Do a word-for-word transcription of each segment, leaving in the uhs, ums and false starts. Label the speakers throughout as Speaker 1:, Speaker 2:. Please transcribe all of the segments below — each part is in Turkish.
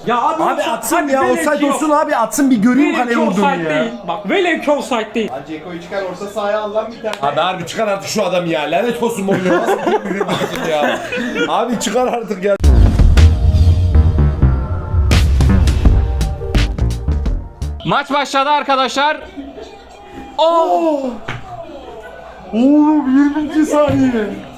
Speaker 1: Ya abi,
Speaker 2: Abi
Speaker 1: olsa-
Speaker 2: atsın
Speaker 1: hadi
Speaker 2: ya,
Speaker 1: velev
Speaker 2: offside
Speaker 1: ki yok.
Speaker 2: olsun abi, atsın bir göreyim
Speaker 1: Velev
Speaker 2: kaleye
Speaker 1: ki
Speaker 2: vurduğunu
Speaker 1: offside
Speaker 2: ya.
Speaker 1: değil. Bak velev ki offside değil.
Speaker 3: Lan Ceko'yu çıkar orta sahaya al lan bir tane.
Speaker 2: Abi harbi çıkar artık şu adam ya, lanet olsun Mourinho, nasıl bir bir ya. Abi çıkar artık ya.
Speaker 4: Maç başladı arkadaşlar. Oh!
Speaker 2: Oğlum yirminci saniye.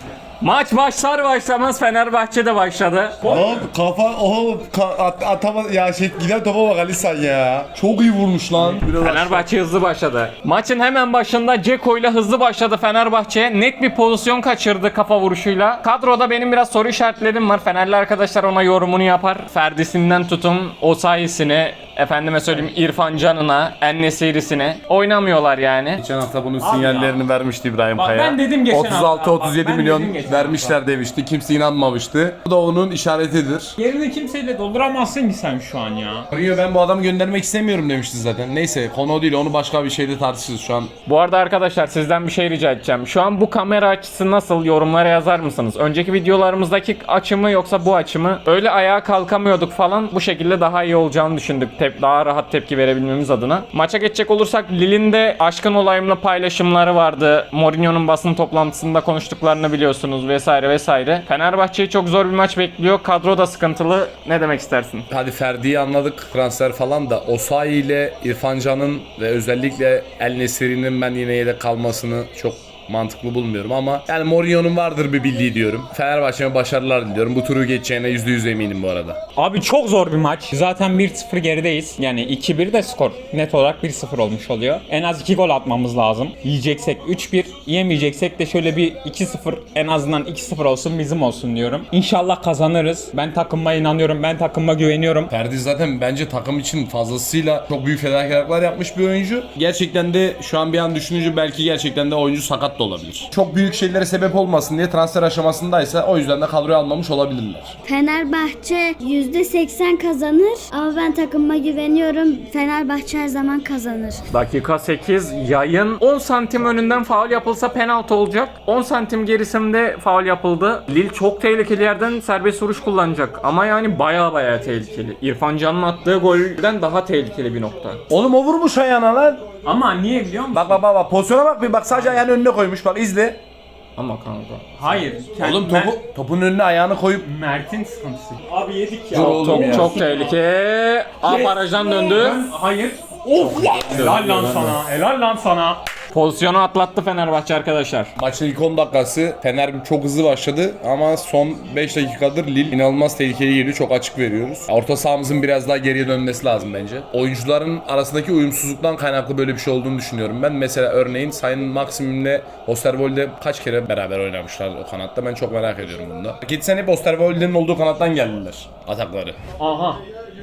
Speaker 4: Maç başlar başlamaz Fenerbahçe'de başladı.
Speaker 2: Lan kafa oğlum ka, at, atama ya şey giden topa bak Ali sen ya. Çok iyi vurmuş lan. Biraz
Speaker 4: Fenerbahçe hızlı başladı. Maçın hemen başında Dzeko ile hızlı başladı Fenerbahçe. Net bir pozisyon kaçırdı kafa vuruşuyla. Kadroda benim biraz soru işaretlerim var. Fenerli arkadaşlar ona yorumunu yapar. Ferdi'sinden tutun Osayi'sine, efendime söyleyeyim İrfan Can'ına, En-Nesyri'sine oynamıyorlar yani.
Speaker 2: Geçen hafta bunun sinyallerini vermişti İbrahim
Speaker 1: Bak
Speaker 2: Kaya.
Speaker 1: ben dedim geçen
Speaker 2: otuz
Speaker 1: hafta.
Speaker 2: altı otuz yedi
Speaker 1: Bak ben
Speaker 2: milyon
Speaker 1: dedim geçen
Speaker 2: vermişler
Speaker 1: hafta.
Speaker 2: demişti. Kimse inanmamıştı. Bu da onun işaretidir.
Speaker 1: Yerini kimseyle dolduramazsın ki sen şu an ya.
Speaker 2: Mourinho ben bu adamı göndermek istemiyorum demişti zaten. Neyse konu o değil, onu başka bir şeyde tartışırız şu an.
Speaker 4: Bu arada arkadaşlar sizden bir şey rica edeceğim. Şu an bu kamera açısı nasıl, yorumlara yazar mısınız? Önceki videolarımızdaki açı mı yoksa bu açı mı? Öyle ayağa kalkamıyorduk falan. Bu şekilde daha iyi olacağını düşündük. Tep daha rahat tepki verebilmemiz adına. Maça geçecek olursak Lille'in de aşkın olayımla paylaşımları vardı. Mourinho'nun basın toplantısında konuştuklarını biliyorsunuz vesaire vesaire. Fenerbahçe'yi çok zor bir maç bekliyor. Kadro da sıkıntılı. Ne demek istersin?
Speaker 2: Hadi Ferdi'yi anladık, transfer falan da Osayi ile İrfan Can'ın ve özellikle El-Nesyri'nin ben yine yedek kalmasını çok mantıklı bulmuyorum ama yani Mourinho'nun vardır bir bildiği diyorum. Fenerbahçe'ye başarılar diliyorum. Bu turu geçeceğine yüzde yüz eminim bu arada.
Speaker 1: Abi çok zor bir maç. Zaten bir sıfır gerideyiz. Yani iki bir de skor. Net olarak bir sıfır olmuş oluyor. En az iki gol atmamız lazım. Yiyeceksek üç bir, yemeyeceksek de şöyle bir iki sıfır, en azından iki sıfır olsun bizim olsun diyorum. İnşallah kazanırız. Ben takımıma inanıyorum. Ben takımıma güveniyorum.
Speaker 2: Ferdi zaten bence takım için fazlasıyla çok büyük fedakarlıklar yapmış bir oyuncu. Gerçekten de şu an bir an düşününce belki gerçekten de oyuncu sakat da olabilir. Çok büyük şeylere sebep olmasın diye transfer aşamasındaysa o yüzden de kadroya almamış olabilirler.
Speaker 5: Fenerbahçe yüzde seksen kazanır ama ben takımıma güveniyorum. Fenerbahçe her zaman kazanır.
Speaker 4: Dakika sekiz, yayın on santim önünden faul yapılsa penaltı olacak. on santim gerisinde faul yapıldı. Lille çok tehlikeli yerden serbest vuruş kullanacak. Ama yani baya baya tehlikeli. İrfan Can'ın attığı golden daha tehlikeli bir nokta.
Speaker 2: Oğlum o vurmuş ayağına lan.
Speaker 1: Ama niye biliyor musun?
Speaker 2: Bak bak bak bak pozisyona bak bir bak, sadece ayağını önüne koymuş, bak izle.
Speaker 4: Ama kanka.
Speaker 1: Hayır. Kendi
Speaker 2: Oğlum topu, topun önüne ayağını koyup
Speaker 1: Mert'in sıkıntısı. Abi yedik ya.
Speaker 2: Dur oğlum
Speaker 4: Çok
Speaker 2: ya.
Speaker 4: çok tehlike. A barajdan döndü.
Speaker 1: Ben- hayır. Of! Helal lan sana. Helal lan sana.
Speaker 4: Pozisyonu atlattı Fenerbahçe arkadaşlar.
Speaker 2: maçın ilk on dakikası Fener çok hızlı başladı ama son beş dakikadır Lille inanılmaz tehlikeli geliyor, çok açık veriyoruz. Orta sahamızın biraz daha geriye dönmesi lazım bence. Oyuncuların arasındaki uyumsuzluktan kaynaklı böyle bir şey olduğunu düşünüyorum ben. Mesela örneğin Sayın Maxim'le Osterwolde kaç kere beraber oynamışlar o kanatta, ben çok merak ediyorum bunda. Geçen hep Osterwolde'nin olduğu kanattan geldiler atakları.
Speaker 1: Aha.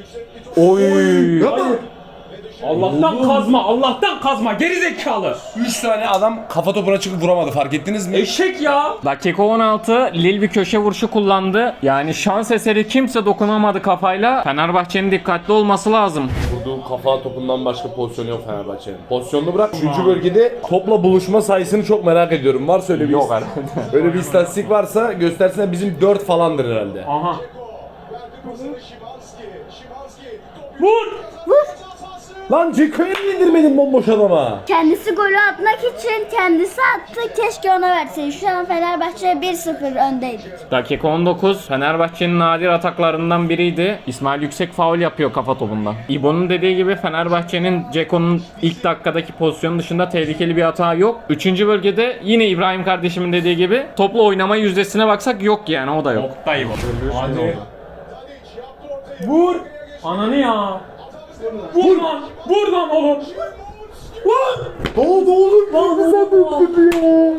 Speaker 4: Oy.
Speaker 1: Allah'tan kazma. Allah'tan kazma. Geri zekalı.
Speaker 2: üç tane adam kafa topuna çıkıp vuramadı, fark ettiniz mi?
Speaker 1: Eşek ya.
Speaker 4: Dakika on altı, Lille bir köşe vuruşu kullandı. Yani şans eseri kimse dokunamadı kafayla. Fenerbahçe'nin dikkatli olması lazım.
Speaker 2: Vurduğu kafa topundan başka pozisyonu yok Fenerbahçe'nin. Pozisyonunu bırak. Üçüncü bölgede topla buluşma sayısını çok merak ediyorum. Varsa öyle bir
Speaker 4: Yok
Speaker 2: öyle bir istatistik varsa göstersene, bizim dört falandır herhalde.
Speaker 1: Aha. Vur.
Speaker 2: Lan Ceko'yu niye indirmedin bomboş adama?
Speaker 5: Kendisi golü atmak için kendisi attı. Keşke ona versin. Şu an Fenerbahçe bir sıfır öndeydik.
Speaker 4: Dakika on dokuz, Fenerbahçe'nin nadir ataklarından biriydi. İsmail Yüksek faul yapıyor kafa topunda. İbo'nun dediği gibi Fenerbahçe'nin Ceko'nun ilk dakikadaki pozisyonu dışında tehlikeli bir hata yok. Üçüncü bölgede yine İbrahim kardeşimin dediği gibi toplu oynama yüzdesine baksak yok yani, o da yok.
Speaker 1: Nokta İbo. Hadi. Vur. Ananı ya. Vur lan. Vur lan oğlum. Vur.
Speaker 2: Ne oldu oğlum?
Speaker 1: Lan sen ya.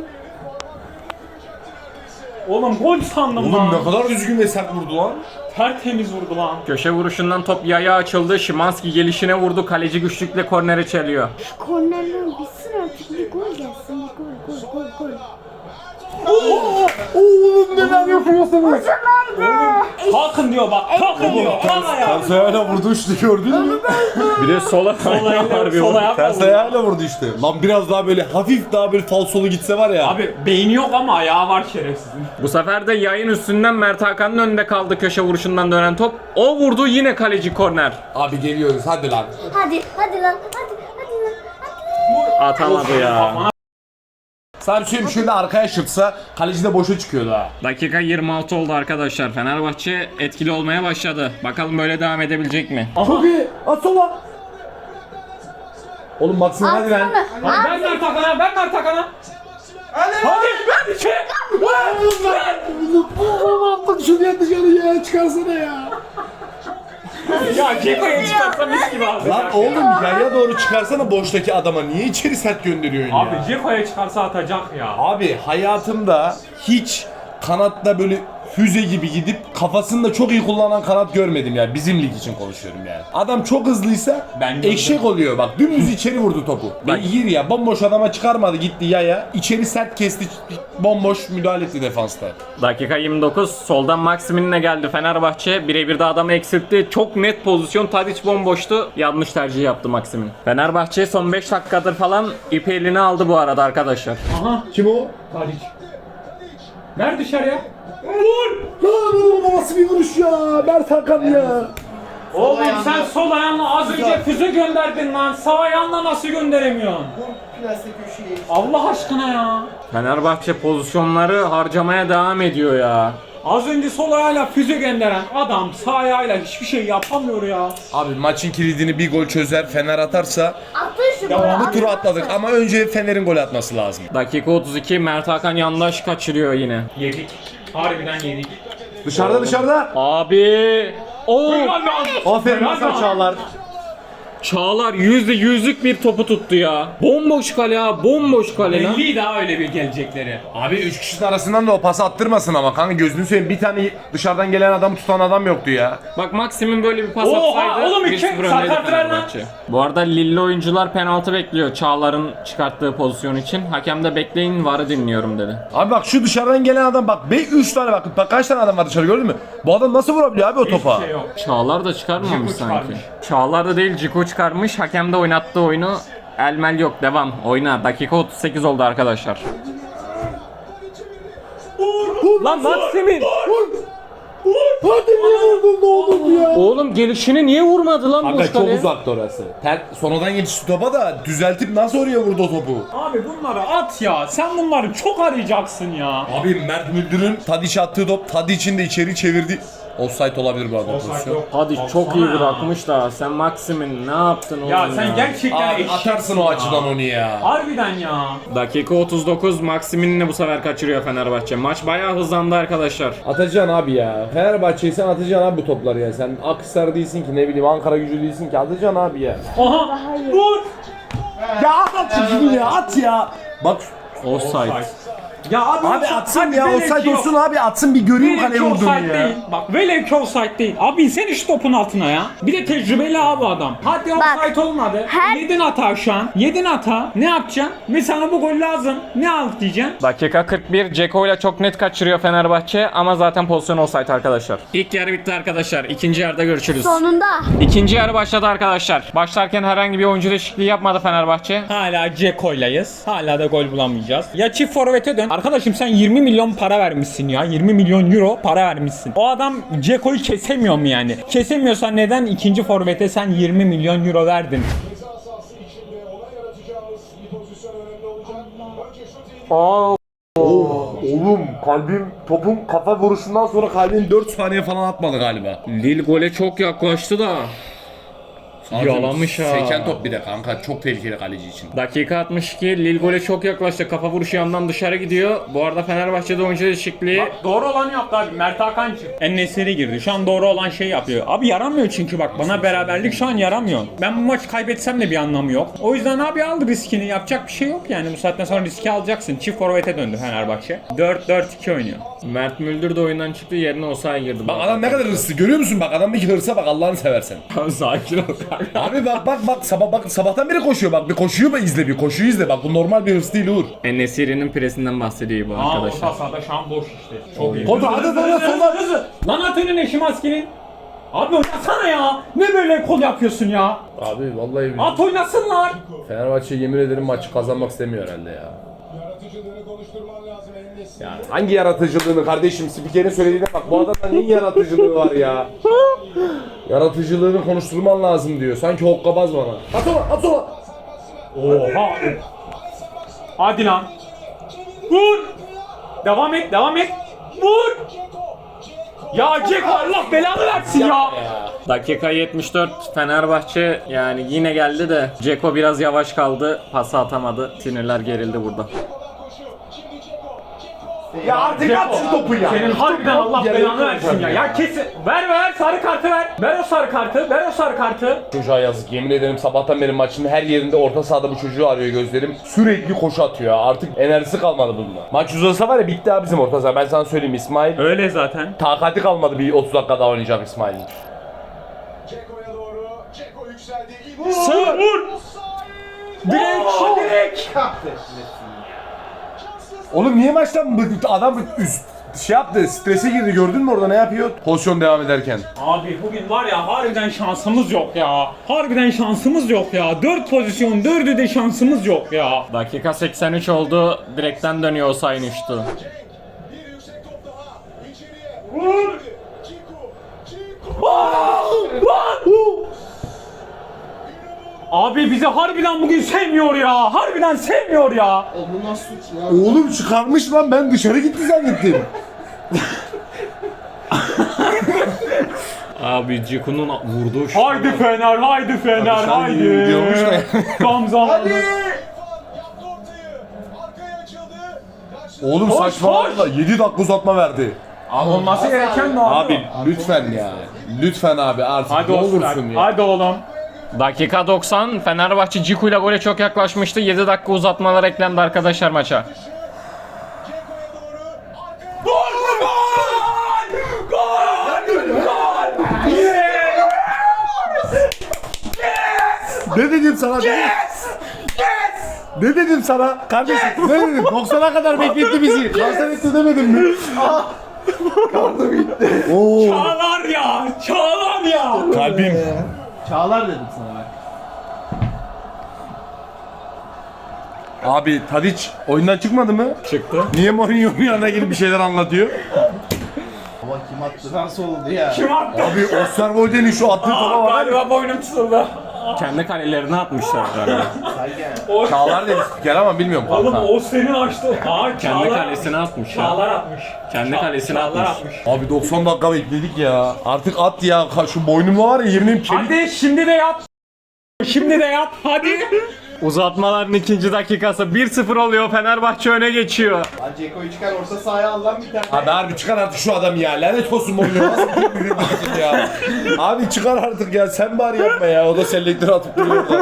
Speaker 1: Oğlum gol sandım
Speaker 2: Oğlum
Speaker 1: lan.
Speaker 2: ne kadar düzgün ve sert vurdu lan.
Speaker 1: Tertemiz vurdu lan.
Speaker 4: Köşe vuruşundan top yaya açıldı. Şimanski gelişine vurdu. Kaleci güçlükle kornere çeliyor.
Speaker 5: Şu kornerden bitsin artık, bir gol gelsin. Bir gol gol gol gol.
Speaker 2: Oğlum neler yapıyorsunuz?
Speaker 5: Kocamandı.
Speaker 1: Kalkın diyor bak. Kalkın diyor. Valla ya.
Speaker 6: Ters ayağıyla vurdu işte, gördün mü?
Speaker 4: Bir de sola
Speaker 1: Sol sol ayağı
Speaker 6: Ters ayağıyla vurdu işte. Lan biraz daha böyle hafif daha böyle falsolu gitse var ya.
Speaker 1: Abi beyni yok ama ayağı var şerefsizin.
Speaker 4: Bu sefer de yayın üstünden Mert Hakan'ın önünde kaldı köşe vuruşundan dönen top. O vurdu, yine kaleci korner.
Speaker 6: Abi geliyoruz hadi lan.
Speaker 5: Hadi hadi lan hadi hadi lan hadi.
Speaker 4: Atamadı ya.
Speaker 6: Sana bir şey söyleyeyim, şöyle arkaya şırtsa kaleci de boşa çıkıyordu ha.
Speaker 4: Dakika yirmi altı oldu arkadaşlar. Fenerbahçe etkili olmaya başladı. Bakalım böyle devam edebilecek mi?
Speaker 6: Çok iyi. At sola. Oğlum Maxim hadi lan.
Speaker 1: Hadi ben Mert Hakan'a, ben Mert Hakan'a. Hadi. Hadi ben içeri.
Speaker 6: Bak şuraya dışarı ya, çıkarsana ya.
Speaker 1: Ya Ceko'ya çıkarsa mis gibi abi.
Speaker 6: Lan oğlum yaya doğru çıkarsana boştaki adama, niye içeri sert gönderiyorsun
Speaker 1: Abi
Speaker 6: ya?
Speaker 1: Ceko'ya çıkarsa atacak ya.
Speaker 6: Abi hayatımda hiç kanatta böyle füze gibi gidip kafasını da çok iyi kullanan kanat görmedim ya. Bizim lig için konuşuyorum yani. Adam çok hızlıysa
Speaker 1: Ben gördüm.
Speaker 6: eşek oluyor bak. Dümdüz içeri vurdu topu. Beygir ya, bomboş adama çıkarmadı, gitti yaya. İçeri sert kesti, bomboş müdahale etti defansta.
Speaker 4: Dakika yirmi dokuz. Soldan Maximin'le geldi Fenerbahçe. Birebir de adamı eksiltti. Çok net pozisyon. Tadic bomboştu. Yanlış tercih yaptı Maximin. Fenerbahçe son beş dakikadır falan ipi eline aldı bu arada arkadaşlar.
Speaker 1: Aha.
Speaker 6: Kim o?
Speaker 1: Tadic. Ver dışarıya.
Speaker 6: Lan oğlum nasıl bir vuruş ya? Mert Hakan ya.
Speaker 1: Oğlum sen sol ayağınla az önce füze gönderdin lan. Sağ ayağınla nasıl gönderemiyorsun?
Speaker 3: Plastik köşeyi.
Speaker 1: Allah aşkına ya.
Speaker 4: Fenerbahçe pozisyonları harcamaya devam ediyor ya.
Speaker 1: Az önce sol ayağıyla füze gönderen adam sağ ayağıyla hiçbir şey yapamıyor ya.
Speaker 2: Abi maçın kilidini bir gol çözer, Fener atarsa
Speaker 5: Attın şu golü.
Speaker 2: bu turu atladık ama önce Fener'in gol atması lazım.
Speaker 4: Dakika otuz iki. Mert Hakan yandaş kaçırıyor yine.
Speaker 1: Yedik. Harbiden yedik.
Speaker 6: Dışarıda dışarıda.
Speaker 4: Abi. Oo.
Speaker 6: Aferin Hasan Çağlar.
Speaker 4: Çağlar yüzde yüzlük bir topu tuttu ya. Bomboş kale ya. Bomboş kale lan.
Speaker 1: Belli daha öyle bir gelecekleri.
Speaker 2: Abi üç kişinin arasından da o pası attırmasın ama kanka, gözünü seveyim, bir tane dışarıdan gelen adamı tutan adam yoktu ya.
Speaker 4: Bak Maxim'in böyle bir pas
Speaker 1: Oha,
Speaker 4: atsaydı
Speaker 1: oğlum iki
Speaker 4: bir sıfır öndeydi
Speaker 1: sakat ver lan.
Speaker 4: Fenerbahçe. Bu arada Lille oyuncular penaltı bekliyor Çağlar'ın çıkarttığı pozisyon için. Hakem de bekleyin, varı dinliyorum dedi.
Speaker 6: Abi bak şu dışarıdan gelen adam bak, be üç tane bak, bak kaç tane adam var dışarı, gördün mü? Bu adam nasıl vurabiliyor abi o topa?
Speaker 1: Hiçbir şey yok.
Speaker 4: Çağlar da çıkarmamış
Speaker 1: Ciku
Speaker 4: sanki.
Speaker 1: çıkarmış.
Speaker 4: Çağlar da değil, Ciku çıkarmış. Hakem de oynattığı oyunu elmel yok, devam. Oyna. Dakika otuz sekiz oldu arkadaşlar. Lan Maximin!
Speaker 6: Hadi niye vurdun, ne oldu ya?
Speaker 4: Oğlum gelişini niye vurmadı lan
Speaker 6: Kanka
Speaker 4: boş
Speaker 6: çok
Speaker 4: kaleye?
Speaker 6: uzakta orası.
Speaker 2: Ter, sonradan geçti topa da düzeltip nasıl oraya vurdu o topu?
Speaker 1: Abi bunları at ya. Sen bunları çok arayacaksın ya.
Speaker 2: Abi Mert Müldür'ün Tadiç attığı top, Tadiç'in de içeri çevirdi. Offside olabilir bu arada pozisyon.
Speaker 4: Hadi çok iyi bırakmış da sen Maximin ne yaptın oğlum
Speaker 1: Ya
Speaker 4: ya?
Speaker 1: sen gerçekten
Speaker 2: Abi
Speaker 1: eşeksin
Speaker 2: atarsın o
Speaker 1: ya.
Speaker 2: açıdan onu ya.
Speaker 1: Harbiden ya.
Speaker 4: Dakika otuz dokuz. Maximin'le bu sefer kaçırıyor Fenerbahçe. Maç bayağı hızlandı arkadaşlar.
Speaker 6: Atacaksın abi ya. Fenerbahçe'yi sen atacaksın abi bu topları ya. Sen Akhisar değilsin ki, ne bileyim Ankara Gücü değilsin ki, atacaksın abi ya.
Speaker 1: Aha. Vur.
Speaker 6: Ya at şunu ya, at ya. Bak
Speaker 4: Offside.
Speaker 1: Ya abi,
Speaker 6: abi
Speaker 1: offside-
Speaker 6: atsın
Speaker 1: hadi
Speaker 6: ya,
Speaker 1: velev
Speaker 6: offside
Speaker 1: ki
Speaker 6: olsun
Speaker 1: yok.
Speaker 6: abi, atsın bir göreyim
Speaker 1: Velev
Speaker 6: kaleye
Speaker 1: ki
Speaker 6: vurduğunu
Speaker 1: offside
Speaker 6: ya.
Speaker 1: değil. Bak velev ki offside değil. Abi sen iş topun altına ya. Bir de tecrübeli abi adam. Hadi offside olmadı.
Speaker 5: her-
Speaker 1: Yedin hata şu an. Yedin hata. Ne yapacaksın? Ve sana bu gol lazım. Ne al diyeceksin?
Speaker 4: Dakika kırk bir. Ceko ile çok net kaçırıyor Fenerbahçe ama zaten pozisyon offside arkadaşlar. İlk yarı bitti arkadaşlar. İkinci yarıda görüşürüz.
Speaker 5: Sonunda.
Speaker 4: İkinci yarı başladı arkadaşlar. Başlarken herhangi bir oyuncu değişikliği yapmadı Fenerbahçe.
Speaker 1: Hala Ceko'ylayız. Hala da gol bulamayacağız. Ya çift forvete dön. Arkadaşım sen yirmi milyon para vermişsin ya. yirmi milyon euro para vermişsin. O adam Ceko'yu kesemiyor mu yani? Kesemiyorsa neden ikinci forvete sen yirmi milyon euro verdin?
Speaker 4: Oo.
Speaker 6: Oğlum kalbim, topun kafa vuruşundan sonra kalbim dört saniye falan atmadı galiba.
Speaker 4: Lille gole çok yaklaştı da. Yalamış ha.
Speaker 2: Seken top bir de kanka, çok tehlikeli kaleci için.
Speaker 4: Dakika altmış iki. Lille gole çok yaklaştı. Kafa vuruşu yandan dışarı gidiyor. Bu arada Fenerbahçe'de oyuncu değişikliği.
Speaker 1: Doğru olan yaptı abi. Mert Hakan çıktı. En-Nesyri girdi. Şu an doğru olan şey yapıyor. Abi yaramıyor çünkü bak bana beraberlik şu an yaramıyor. Ben bu maçı kaybetsem de bir anlamı yok. O yüzden abi al riskini. Yapacak bir şey yok yani. Bu saatten sonra riski alacaksın. Çift forvete döndü Fenerbahçe. dört dört iki oynuyor.
Speaker 4: Mert Müldür de oyundan çıktı. Yerine Osayi girdi.
Speaker 2: Bak adam ne kadar hırslı, görüyor musun? Bak adamdaki hırsa bak, Allah'ını seversen.
Speaker 4: Sakin ol.
Speaker 6: Abi bak bak bak sabah bak sabahtan beri koşuyor bak bir koşuyu mu izle bir koşuyu izle bak bu normal bir hırs değil Uğur.
Speaker 4: En-Nesyri'nin presinden bahsediyor bu
Speaker 1: Aa,
Speaker 4: arkadaşlar.
Speaker 1: orta sahada şu an boş işte. Çok iyi.
Speaker 6: Kontrol hadi hadi sola.
Speaker 1: Lan at önüne Şimanski'nin. Abi oynasana ya. Ne böyle kol yapıyorsun ya?
Speaker 2: Abi vallahi
Speaker 1: At oynasınlar.
Speaker 2: Fenerbahçe yemin ederim maçı kazanmak istemiyor herhalde ya. Ya hangi yaratıcılığını kardeşim spikerin söylediğine bak bu adamda neyin yaratıcılığı var ya? Yaratıcılığını konuşturman lazım diyor. Sanki hokkabaz bana. At sola at sola.
Speaker 1: Oha. Hadi lan. Vur. Devam et, devam et. Vur. Ya Ceko Allah belanı versin ya.
Speaker 4: Dakika yetmiş dört Fenerbahçe yani yine geldi de Ceko biraz yavaş kaldı. Pası atamadı. Sinirler gerildi burada.
Speaker 6: Ya artık at şu topu ya.
Speaker 1: Senin harbiden Allah belanı versin ya. Ya kesin. Ver ver sarı kartı ver. Ver o sarı kartı. Ver o sarı kartı.
Speaker 2: Çocuğa yazık yemin ederim sabahtan beri maçın her yerinde orta sahada bu çocuğu arıyor gözlerim. Sürekli koşu atıyor artık enerjisi kalmadı bunda. Maç uzasa var ya bitti abi bizim orta saha ben sana söyleyeyim İsmail.
Speaker 1: Öyle zaten.
Speaker 2: Takati kalmadı bir otuz dakika daha oynayacak İsmail'in.
Speaker 3: Ceko'ya doğru. Ceko yükseldi.
Speaker 1: Sağ vur. Direkt direkt.
Speaker 6: Oğlum niye maçtan bu- adam üst şey yaptı strese girdi gördün mü orada ne yapıyor? Pozisyon devam ederken.
Speaker 1: Abi bugün var ya harbiden şansımız yok ya. Harbiden şansımız yok ya. dört pozisyon dördü de şansımız yok ya.
Speaker 4: Dakika seksen üç oldu. Direkten dönüyor Osayin uçtu.
Speaker 3: Bir yüksek top daha. İçeriye.
Speaker 1: Vur.
Speaker 3: Ceko. Ceko.
Speaker 1: Abi bizi harbiden bugün sevmiyor ya. Harbiden sevmiyor ya.
Speaker 3: Bu nasıl suç ya?
Speaker 6: Oğlum çıkarmış lan ben dışarı gitti zannettim.
Speaker 4: Abi Ceko'nun vurduğu şu.
Speaker 1: Haydi Fener, haydi Fener,
Speaker 6: dışarı
Speaker 1: haydi.
Speaker 6: gidiyormuş da.
Speaker 1: Tam zamanı.
Speaker 3: Yaptı ortayı. Arkaya açıldı. Karşıladı.
Speaker 6: Oğlum
Speaker 1: Koş,
Speaker 6: saçmalama yedi dakika uzatma verdi.
Speaker 1: Olması gereken ne abi?
Speaker 6: Abi lütfen ya. Lütfen abi artık
Speaker 1: Hadi
Speaker 6: ne
Speaker 1: olsun.
Speaker 6: olursun ya.
Speaker 1: Hadi oğlum.
Speaker 4: Dakika doksan Fenerbahçe Ciku ile gole çok yaklaşmıştı. yedi dakika uzatmalar eklendi arkadaşlar maça.
Speaker 3: Ceko'ya doğru. Arkaya.
Speaker 1: Gol! Gol! Gol! Gol! Yes!
Speaker 6: Ne dedim sana dedim.
Speaker 1: Yes! Yes!
Speaker 6: Ne dedim sana kardeşim ne dedim doksana kadar bekletti bizi. Kanser etti demedim mi? Kaldı bitti. Oo.
Speaker 1: Çağlar ya! Çağlar ya!
Speaker 6: Kalbim.
Speaker 3: Çağlar dedim sana bak.
Speaker 6: Abi Tadic oyundan çıkmadı mı?
Speaker 4: Çıktı.
Speaker 6: Niye Mourinho'nun yanına gelip bir şeyler anlatıyor?
Speaker 3: Ama kim attı? Nasıl oldu ya?
Speaker 1: Kim attı?
Speaker 6: Abi Osterwolde'nin şu attığı topa var.
Speaker 1: Galiba boynum tutuldu.
Speaker 4: Kendi kalelerine atmışlar galiba.
Speaker 3: Sanki.
Speaker 6: Çağlar dedi spiker ama bilmiyorum
Speaker 1: Oğlum
Speaker 6: kanka.
Speaker 1: o senin açtı. Aa,
Speaker 4: Kendi
Speaker 1: Çağlar
Speaker 4: kalesine atmış ya.
Speaker 1: Çağlar atmış.
Speaker 4: Kendi
Speaker 1: Ça-
Speaker 4: kalesine
Speaker 1: Çağlar
Speaker 4: atmış.
Speaker 6: Abi doksan dakika bekledik ya. Artık at ya. Ka- Şu boynumda var ya yeminim kemik.
Speaker 1: Hadi şimdi de yap. Şimdi de yap. Hadi.
Speaker 4: Uzatmaların ikinci dakikası bir sıfır oluyor. Fenerbahçe öne geçiyor.
Speaker 3: Lan Ceko'yu çıkar orta sahaya al lan bir tane.
Speaker 6: Abi harbi çıkar artık şu adam ya. Lanet olsun Mourinho. Nasıl bir bir ya. Abi çıkar artık ya. Sen bari yapma ya. O da selektör atıp duruyor da.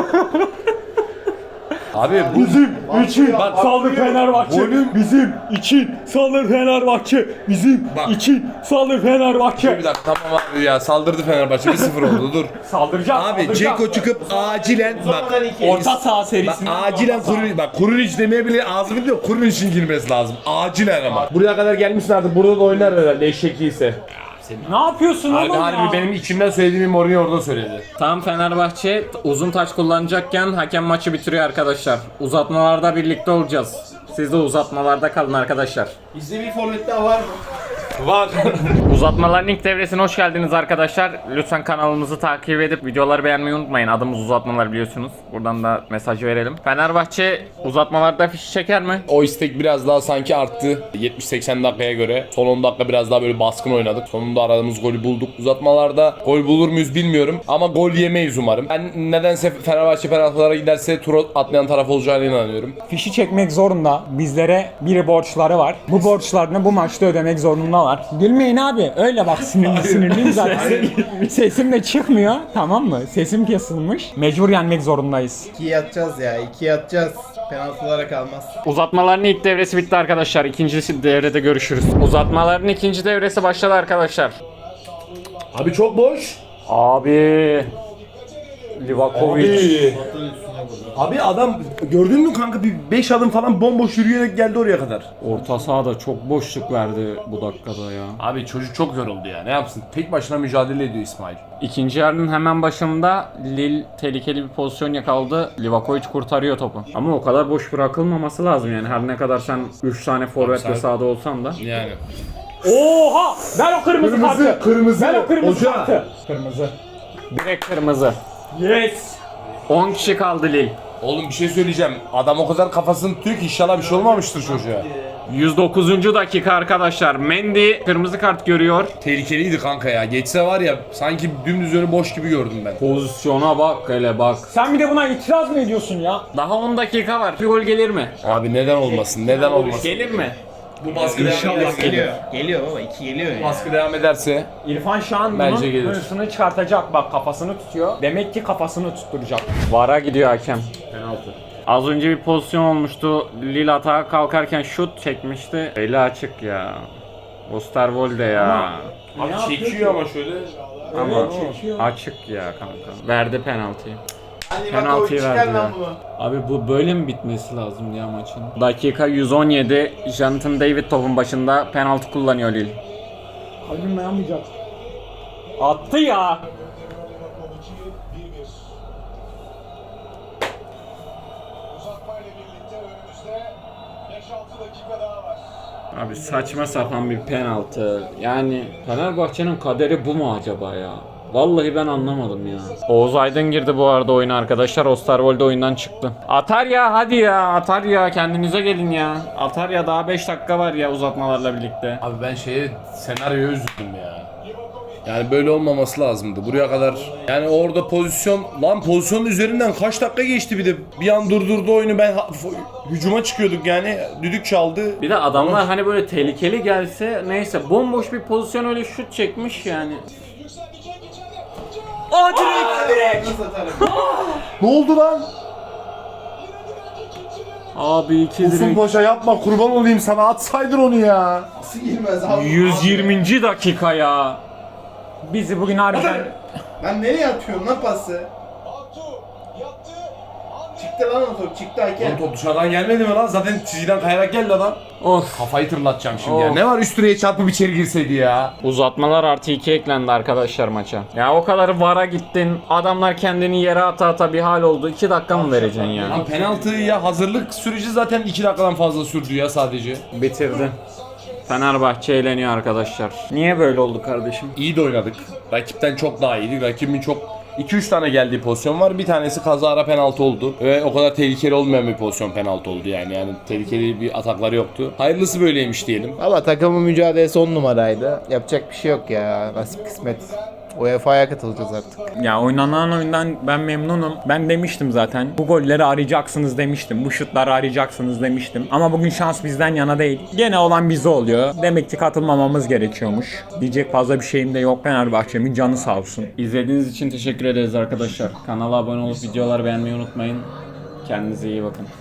Speaker 6: Abi bu
Speaker 1: Bizim için
Speaker 6: Bak,
Speaker 1: saldır Fenerbahçe.
Speaker 6: Golün-
Speaker 1: Bizim için saldır Fenerbahçe. Bizim
Speaker 6: Bak.
Speaker 1: için saldır Fenerbahçe.
Speaker 6: bir dakika tamam abi ya saldırdı Fenerbahçe bir sıfır oldu dur.
Speaker 1: Saldıracağız.
Speaker 6: Abi
Speaker 1: saldıracağız.
Speaker 6: Ceko çıkıp acilen bak
Speaker 3: Sonradan iki.
Speaker 1: Orta saha
Speaker 6: bak
Speaker 1: serisinden.
Speaker 6: acilen Kurunic bak Kurunic demeye bile ağzını diyor Kurinic'in girmesi lazım. Acilen ama. Buraya kadar gelmişsin artık burada da oynar herhalde eşekliyse.
Speaker 1: Ne yapıyorsun
Speaker 6: Abi
Speaker 1: oğlum
Speaker 6: harbi
Speaker 1: ya?
Speaker 6: benim içimden söylediğimi Mourinho orada söyledi.
Speaker 4: Tam Fenerbahçe uzun taç kullanacakken hakem maçı bitiriyor arkadaşlar. Uzatmalarda birlikte olacağız. Siz de uzatmalarda kalın arkadaşlar.
Speaker 3: Bizde bir forvet daha var mı?
Speaker 6: Var.
Speaker 4: Uzatmaların ilk devresine hoş geldiniz arkadaşlar. Lütfen kanalımızı takip edip videoları beğenmeyi unutmayın. Adımız uzatmalar biliyorsunuz. Buradan da mesaj verelim. Fenerbahçe uzatmalarda fişi çeker mi?
Speaker 2: O istek biraz daha sanki arttı yetmiş seksen dakikaya göre. Son on dakika biraz daha böyle baskın oynadık. Sonunda aradığımız golü bulduk. Uzatmalarda gol bulur muyuz bilmiyorum ama gol yemeyiz umarım. Ben nedense Fenerbahçe penaltılara giderse tur atlayan taraf olacağına inanıyorum.
Speaker 1: Fişi çekmek zorunda. Bizlere bir borçları var. Bu borçlarını bu maçta ödemek zorundalar. Gülmeyin abi. Öyle bak sinirli sinirliyim zaten. Sesim de çıkmıyor. Tamam mı? Sesim kesilmiş. Mecbur yenmek zorundayız.
Speaker 3: İkiye atacağız ya. İkiye atacağız. Penaltılara kalmaz.
Speaker 4: Uzatmaların ilk devresi bitti arkadaşlar. İkinci devrede görüşürüz. Uzatmaların ikinci devresi başladı arkadaşlar.
Speaker 6: Abi çok boş.
Speaker 4: Abi. Livakovic.
Speaker 6: Abi adam gördün mü kanka bir beş adım falan bomboş yürüyerek geldi oraya kadar.
Speaker 4: Orta sahada çok boşluk verdi bu dakikada ya.
Speaker 6: Abi çocuk çok yoruldu ya. Ne yapsın? Tek başına mücadele ediyor İsmail.
Speaker 4: İkinci yarının hemen başında Lille tehlikeli bir pozisyon yakaladı. Livakovic kurtarıyor topu. Ama o kadar boş bırakılmaması lazım yani. Her ne kadar sen üç tane forvetle sahada olsan da.
Speaker 6: Yani.
Speaker 1: Oha! Ver o kırmızı,
Speaker 6: Kırmızı,
Speaker 1: kartı.
Speaker 6: kırmızı.
Speaker 1: Ver o kırmızı
Speaker 6: Hoca.
Speaker 1: kartı. Kırmızı.
Speaker 4: Direkt kırmızı.
Speaker 1: Yes.
Speaker 4: on kişi kaldı Lille.
Speaker 6: Oğlum bir şey söyleyeceğim. Adam o kadar kafasını tutuyor ki inşallah bir şey olmamıştır çocuğa.
Speaker 4: yüz dokuzuncu dakika arkadaşlar. Mendy kırmızı kart görüyor.
Speaker 6: Tehlikeliydi kanka ya. Geçse var ya sanki dümdüz önü boş gibi gördüm ben.
Speaker 4: Pozisyona bak hele bak.
Speaker 1: Sen bir de buna itiraz mı ediyorsun ya?
Speaker 4: Daha on dakika var. Bir gol gelir mi?
Speaker 6: Abi neden olmasın? Neden olmasın?
Speaker 4: Gelir mi?
Speaker 6: Bu baskı devam ederse.
Speaker 3: Geliyor. Geliyor baba, iki geliyor ya.
Speaker 6: Baskı devam ederse.
Speaker 1: İrfan Şahan
Speaker 6: Bence
Speaker 1: bunun
Speaker 6: gelir.
Speaker 1: hırsını çıkartacak. Bak kafasını tutuyor. Demek ki kafasını tutturacak.
Speaker 4: Vara gidiyor hakem. Penaltı. Az önce bir pozisyon olmuştu. Lille atağa kalkarken şut çekmişti. Eli açık ya. Osterwolde ya.
Speaker 6: Abi çekiyor ama şöyle.
Speaker 4: Ama
Speaker 1: çekiyor.
Speaker 4: açık ya kanka. Verdi penaltıyı.
Speaker 3: Hadi
Speaker 4: Penaltıyı
Speaker 3: çıkar
Speaker 4: verdi
Speaker 3: lan
Speaker 4: ya.
Speaker 3: bunu.
Speaker 4: Abi bu böyle mi bitmesi lazım ya maçın? Dakika yüz on yedi. Jonathan David topun başında penaltı kullanıyor Lille.
Speaker 1: Kalbim dayanmayacak. Attı ya.
Speaker 4: Abi saçma sapan bir penaltı. Yani Fenerbahçe'nin kaderi bu mu acaba ya? Vallahi ben anlamadım ya. Oğuz Aydın girdi bu arada oyuna arkadaşlar. Osterwolde oyundan çıktı. Atar ya hadi ya. Atar ya kendinize gelin ya. Atar ya daha beş dakika var ya uzatmalarla birlikte.
Speaker 6: Abi ben şeye senaryoya üzüldüm ya. Yani böyle olmaması lazımdı. Buraya kadar yani orada pozisyon lan pozisyonun üzerinden kaç dakika geçti bir de bir an durdurdu oyunu ben ha- f- hücuma çıkıyorduk yani düdük çaldı.
Speaker 4: Bir de adamlar hani böyle tehlikeli gelse neyse bomboş bir pozisyon öyle şut çekmiş yani. Aa direkt!
Speaker 3: Nasıl atarım?
Speaker 6: Ne oldu lan?
Speaker 4: Abi iki
Speaker 6: Uzun
Speaker 4: direkt.
Speaker 6: Paşa yapma kurban olayım sana atsaydın onu ya.
Speaker 3: Nasıl girmez abi?
Speaker 4: yüz yirminci dakika ya.
Speaker 1: Bizi bugün harbiden...
Speaker 3: Ben nereye atıyorum lan pası? Çıktı lan o top, çıktı
Speaker 6: Lan
Speaker 3: hakem.
Speaker 6: top dışarıdan gelmedi mi lan? Zaten çizgiden kayarak geldi adam.
Speaker 4: Of.
Speaker 6: Kafayı tırlatacağım şimdi ya.
Speaker 4: Of.
Speaker 6: Ne var üst direğe çarpıp içeri girseydi ya.
Speaker 4: Uzatmalar artı iki eklendi arkadaşlar maça. Ya o kadar vara gittin. Adamlar kendini yere ata ata bir hal oldu. iki dakika mı vereceksin ya?
Speaker 6: Lan penaltıya hazırlık süreci zaten iki dakikadan fazla sürdü ya sadece.
Speaker 4: Bitirdi. Fenerbahçe eğleniyor arkadaşlar. Niye böyle oldu kardeşim?
Speaker 6: İyi de oynadık. Rakipten çok daha iyiydi. Rakibin çok iki üç tane geldiği pozisyon var. Bir tanesi kazara penaltı oldu. Ve o kadar tehlikeli olmayan bir pozisyon penaltı oldu yani. Yani tehlikeli bir atakları yoktu. Hayırlısı böyleymiş diyelim.
Speaker 3: Valla takımın mücadelesi on numaraydı. Yapacak bir şey yok ya. Nasip kısmet. U E F A'ya katılacağız artık.
Speaker 1: Ya oynanan oyundan ben memnunum. Ben demiştim zaten. Bu golleri arayacaksınız demiştim. Bu şutları arayacaksınız demiştim. Ama bugün şans bizden yana değil. Gene olan bize oluyor. Demek ki katılmamamız gerekiyormuş. Diyecek fazla bir şeyim de yok. Fenerbahçe'min canı sağ olsun.
Speaker 4: İzlediğiniz için teşekkür ederiz arkadaşlar. Kanala abone olup videoları beğenmeyi unutmayın. Kendinize iyi bakın.